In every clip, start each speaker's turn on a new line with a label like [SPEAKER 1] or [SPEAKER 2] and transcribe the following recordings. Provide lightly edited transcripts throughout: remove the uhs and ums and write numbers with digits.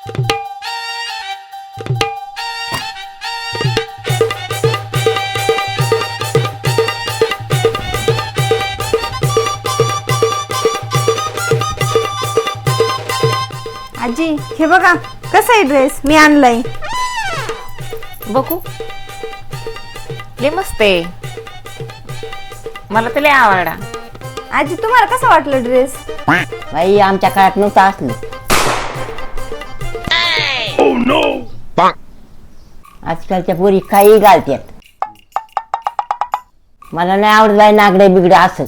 [SPEAKER 1] आजी हे बघा कसा आहे ड्रेस मी आणलाय.
[SPEAKER 2] बघू. लय मस्त आहे, मला तर लय आवडला.
[SPEAKER 1] आजी तुम्हाला कसं वाटलं ड्रेस?
[SPEAKER 3] बाई आमच्या काळात नव्हतं असलं. आजकालच्या पोरी काही घालतात. मला नाही आवडत बाई नागडे बिगडे असं.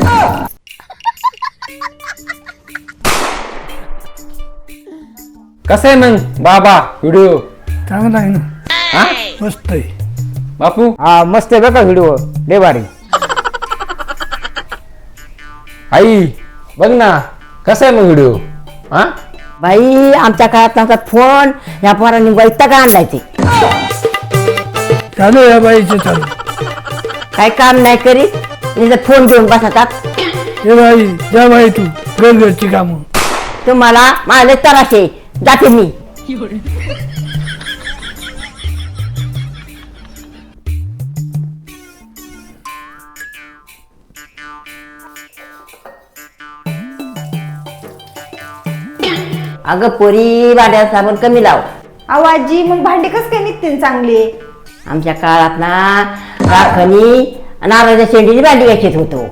[SPEAKER 4] कसं आहे मग बाबा व्हिडिओ?
[SPEAKER 5] चांगला आहे ना,
[SPEAKER 4] हा
[SPEAKER 5] मस्त आहे.
[SPEAKER 4] बापू?
[SPEAKER 6] हा मस्त आहे बघा व्हिडिओ, लय भारी.
[SPEAKER 4] आई बघ ना कसा आहे मग व्हिडिओ? हा
[SPEAKER 3] बाई आमच्या काळात नव्हता फोन, या पोरांनी वैताग आणलाय. ते
[SPEAKER 5] चालू या बाईचं चालू.
[SPEAKER 3] काही काम नाही करीत, तिथं फोन घेऊन बसतात.
[SPEAKER 5] हे बाई जा बाई तू घरची कामं.
[SPEAKER 3] तुम्हाला माझे तराशे जाते मी. अगं पोरी भांड्या साबण कमी लाव.
[SPEAKER 1] अहो आजी मग भांडे कस काय निघतील चांगले?
[SPEAKER 3] आमच्या काळात ना राखणी नारळाच्या शेंडीची भांडी घ्यायचीच होतो.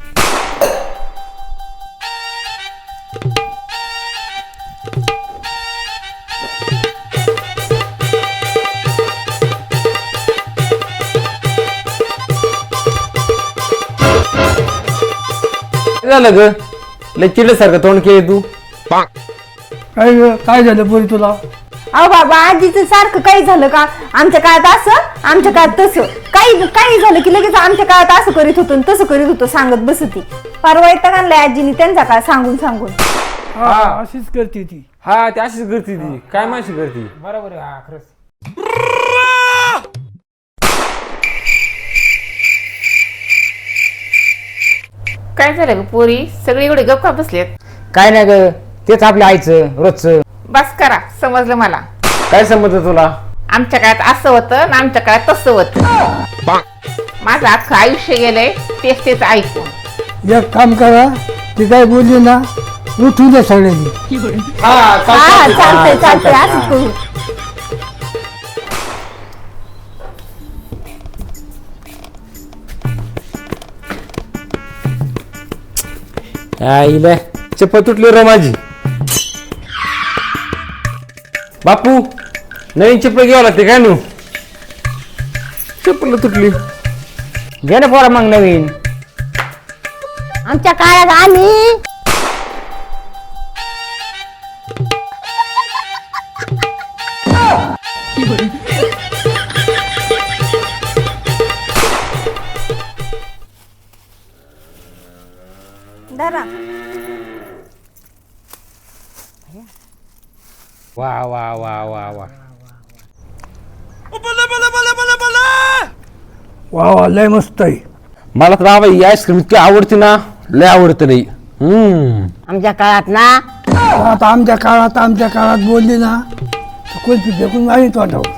[SPEAKER 4] काय झालं ग? लय चिडल्यासारखं तोंड केलं तू.
[SPEAKER 5] काय झालं पोरी तुला?
[SPEAKER 1] अहो बाबा आजीचं सारखं काही झालं का? आमच्या काळात असं आमच्या काळात तसं काही झालं की लगेच आमच्या काळात असं करीत होतो तसं करीत होतो सांगत बसती. परवा येता आणलाय आजीनी त्यांचा काळ सांगून सांगून.
[SPEAKER 5] हा अशीच करते ती.
[SPEAKER 4] हा ती अशीच करते, ती काय माशी करते.
[SPEAKER 6] बरोबर आहे, हा खरंच.
[SPEAKER 2] काय झालं ग पोरी, सगळे एवढे गप्पा बसलेत?
[SPEAKER 6] काय नाही ग, तेच आपल्या आईचं रोजचं.
[SPEAKER 2] बस करा, समजलं मला.
[SPEAKER 4] काय समजतं तुला?
[SPEAKER 2] आमच्या काळात असं होतं आणि आमच्या काळात तसं होतं. माझं अख्खं आयुष्य गेलंय तेच ऐकून.
[SPEAKER 5] एक काम करा, ती काय बोलली ना उठू दे सगळ्यांनी.
[SPEAKER 1] हा चालतंय असंच करू.
[SPEAKER 4] आईला चप्पल तुटली रे माझी. बापू नवीन चप्पल घ्यावं लागते काय नू? चप्पल तुटली.
[SPEAKER 6] घे ना पोरा मग नवीन.
[SPEAKER 3] आमच्या काळात आम्ही
[SPEAKER 1] धरा.
[SPEAKER 4] वा वा वा वा वा.
[SPEAKER 5] वा वा लय मस्त आहे.
[SPEAKER 4] मला तर बाबा ही आईस्क्रीम इतकी आवडते ना, लय आवडते नाही.
[SPEAKER 3] आमच्या काळात ना
[SPEAKER 5] आता आमच्या काळात बोलली ना कुल्फी फेकून मारी तोंडावर.